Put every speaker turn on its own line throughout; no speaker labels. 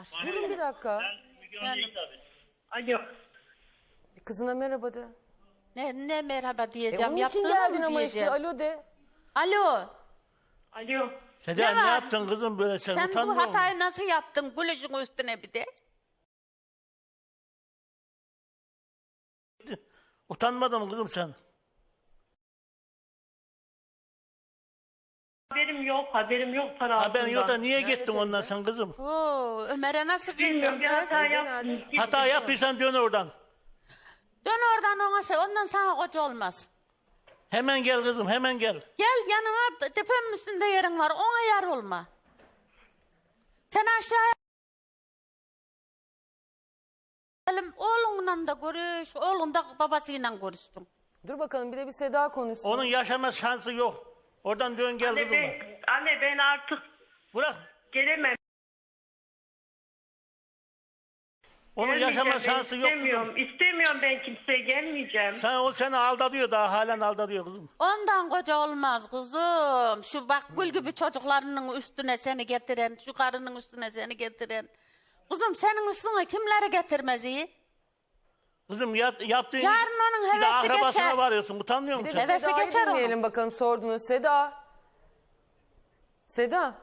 Durun bir dakika.
Alo.
Kızına merhaba de.
Ne merhaba diyeceğim.
Onun için
Yaptığını
geldin
mı
ama
diyeceğim?
işte alo de.
Alo.
Alo.
Seda
Ne
ne
var?
yaptın kızım böyle sen
Sen bu
utanmıyor musun?
hatayı nasıl yaptın? Gülücün üstüne bir de.
Utanmadın mı kızım sen?
Haberim yok para altından.
Haberin yok da niye
Nerede
gittin ondan
teyze?
sen kızım?
Oo, Ömer'e nasıl
Bilmiyorum,
girdin
bir
kız?
hata yaptım.
Hata yaptıysan dön oradan.
Dön oradan ona sev. Ondan sana koca olmaz.
Hemen gel kızım hemen gel.
Gel yanıma, tepemin üstünde yerin var. Ona yar olma. Sen aşağıya oğlunla da görüş. Oğlun da babasıyla görüştün.
Dur bakalım bir de bir Seda konuşsun.
Onun yaşama şansı yok. Oradan dön gel kızım.
Anne ben artık
Bırak.
gelemem.
Onun yaşama şansı yok kızım.
İstemiyorum ben kimseye gelmeyeceğim.
O seni aldatıyor daha halen aldatıyor kızım.
Ondan koca olmaz kuzum. Şu bak gül gibi çocuklarının üstüne seni getiren, şu karının üstüne seni getiren. Kuzum senin üstüne kimleri getirmez iyi?
Kızım yaptığın
Yarın onun
bir de
hevesi
akrabasına
geçer.
varıyorsun. Utanmıyor
Bir de
musun
bir
sen?
Hevesi
Seda'yı
geçer
dinleyelim bakalım sordunuz. Seda. Seda.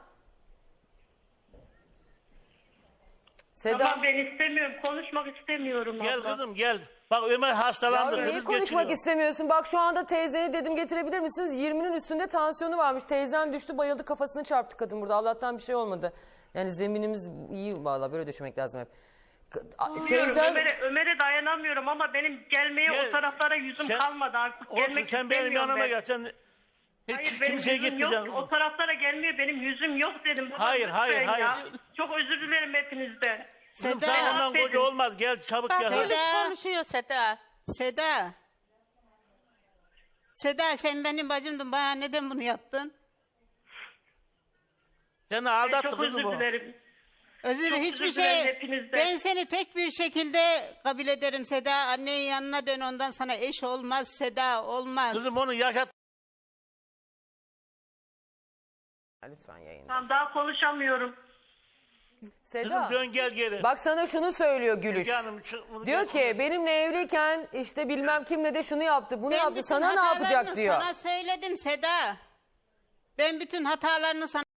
Seda.
Tamam ben istemiyorum. Konuşmak istemiyorum.
Gel
abla.
kızım gel. Bak Ömer hastalandı.
Yavrum, niye
kriz
konuşmak
geçiriyor.
istemiyorsun? Bak şu anda teyzeni dedim getirebilir misiniz? 20'nin üstünde tansiyonu varmış. Teyzen düştü bayıldı kafasını çarptı kadın burada. Allah'tan bir şey olmadı. Yani zeminimiz iyi valla böyle döşemek lazım hep.
Biliyorum,
Teyzen
Ömer'e dayanamıyorum ama benim gelmeye
Gel.
o taraflara yüzüm
Sen-
kalmadı artık.
Olsun
Gelmek
sen benim
istemiyorum
yanıma
ben.
gel. Sen
Hayır
hiç
benim
kimseye
yüzüm yok.
gitmeyeceksin.
O taraflara gelmiyor. Benim yüzüm yok dedim. Baba,
Hayır,
lütfen
hayır,
ya.
hayır.
Çok özür dilerim hepinizden.
Kızım
Seda.
sen ondan
Affedin.
koca olmaz. Gel çabuk
Bak
gel.
polis
Seda.
konuşuyor Seda.
Seda. Seda sen benim bacımdın. Bana neden bunu yaptın?
Seni aldattı
Çok
kızım
özür
o.
dilerim.
Özür
Çok
hiçbir
özür dilerim
şey.
hepinizden.
Ben seni tek bir şekilde kabul ederim Seda. Annenin yanına dön ondan sana eş olmaz Seda olmaz.
Kızım onu yaşat.
Lütfen yayın.
Tamam daha konuşamıyorum.
Kızım
Seda.
dön gel geri.
Bak sana şunu söylüyor Gülüş.
Canım, bunu
Diyor
gel-
ki benimle evliyken işte bilmem kimle de şunu yaptı bunu
Ben
yaptı
bütün
sana ne
hatalarını
yapacak diyor.
Sana söyledim Seda. Ben bütün hatalarını sana